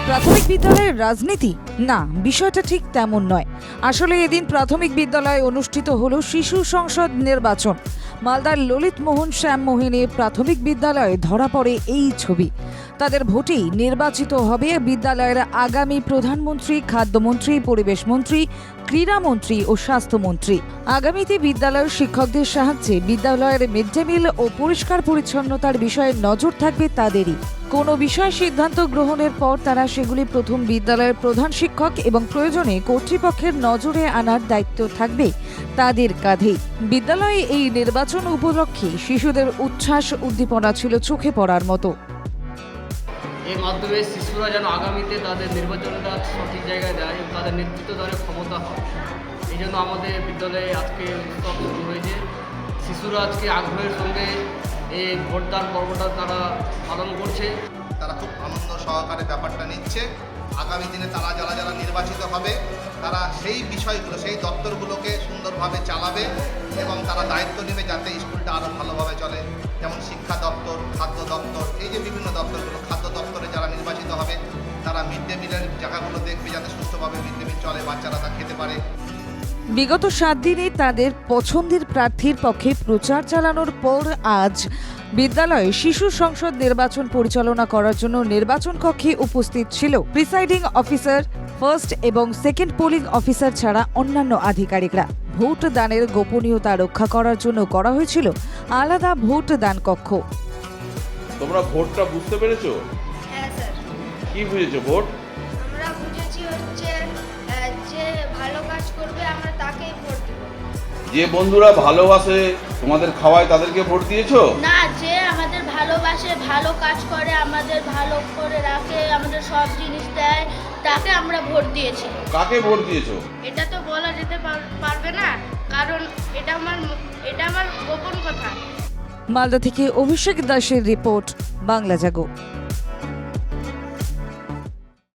প্রাথমিক বিদ্যালয়ের রাজনীতি? না, বিষয়টা ঠিক তেমন নয়। আসলে এদিন প্রাথমিক বিদ্যালয়ে অনুষ্ঠিত হলো শিশু সংসদ নির্বাচন। মালদার ললিত মোহন শ্যামমোহিনী প্রাথমিক বিদ্যালয়ে ধরা পড়ে এই ছবি। তাদের ভোটেই নির্বাচিত হবে বিদ্যালয়ের আগামী প্রধানমন্ত্রী, খাদ্যমন্ত্রী, পরিবেশ মন্ত্রী, ক্রীড়ামন্ত্রী ও স্বাস্থ্যমন্ত্রী। আগামীতে বিদ্যালয়ের শিক্ষকদের সাহায্যে বিদ্যালয়ের মিড ডে মিল ও পরিষ্কার পরিচ্ছন্নতার বিষয়ে নজর থাকবে তাদেরই। কোনো বিষয় সিদ্ধান্ত গ্রহণের পর তারা সেগুলি প্রথম বিদ্যালয়ের প্রধান শিক্ষক এবং প্রয়োজনে কর্তৃপক্ষের নজরে আনার দায়িত্ব থাকবে তাদের কাঁধেই। বিদ্যালয়ে এই নির্বাচন উপলক্ষে শিশুদের উচ্ছ্বাস উদ্দীপনা ছিল চোখে পড়ার মতো। এর মাধ্যমে শিশুরা যেন আগামীতে তাদের নির্বাচনটা সঠিক জায়গায় দেয় এবং তাদের নেতৃত্ব দেওয়ার ক্ষমতা হয়। এই জন্য আমাদের বিদ্যালয়ে আজকে উৎসব শুরু হয়েছে। শিশুরা আজকে আগ্রহের সঙ্গে এই ভোটদান পর্বটা তারা পালন করছে। তারা খুব আনন্দ সহকারে ব্যাপারটা নিচ্ছে। আগামী দিনে তারা যারা নির্বাচিত হবে তারা সেই বিষয়গুলো, সেই দপ্তরগুলোকে সুন্দরভাবে চালাবে এবং তারা দায়িত্ব নেবে যাতে স্কুলটা আরও ভালোভাবে চলে। যেমন শিক্ষা দপ্তর, খাদ্য দপ্তর, এই যে বিভিন্ন দপ্তরগুলো, খাদ্য দপ্তরে যারা নির্বাচিত হবে তারা মিড ডে মিলের জায়গাগুলো দেখবে যাতে সুস্থভাবে মিড ডে মিল চলে, বাচ্চারা তা খেতে পারে। বিগত 7 দিনে তাদের পছন্দের প্রার্থীর পক্ষে প্রচার চালানোর পর আজ বিদ্যালয়ে শিশু সংসদ নির্বাচন পরিচালনা করার জন্য নির্বাচন কক্ষে উপস্থিত ছিল প্রিসাইডিং অফিসার, ফার্স্ট এবং সেকেন্ড পোলিং অফিসার ছাড়া অন্যান্য আধিকারিকরা। ভোট দানের গোপনীয়তা রক্ষা করার জন্য করা হয়েছিল আলাদা ভোট দান কক্ষ। তোমরা ভোটটা বুঝতে পেরেছো? হ্যাঁ স্যার, কি বুঝেছো ভোট? আমরা বুঝেছি হচ্ছে যে ভালো কাজ করবে আমরা তাকেই ভোট দেব। যে বন্ধুরা ভালোবাসে তোমাদের খাওয়ায় তাদেরকে ভোট দিয়েছো? না, যে আমাদের ভালোবাসে, ভালো কাজ করে, আমাদের ভালো করে রাখে, আমাদের সব জিনিস দেয়, তাকে আমরা ভোট দিয়েছি। কাকে ভোট দিয়েছো? এটা তো বলা যেতে পারবে না, কারণ এটা আমার গোপন কথা। মালদা থেকে অভিষেক দাসের রিপোর্ট, বাংলা জাগো।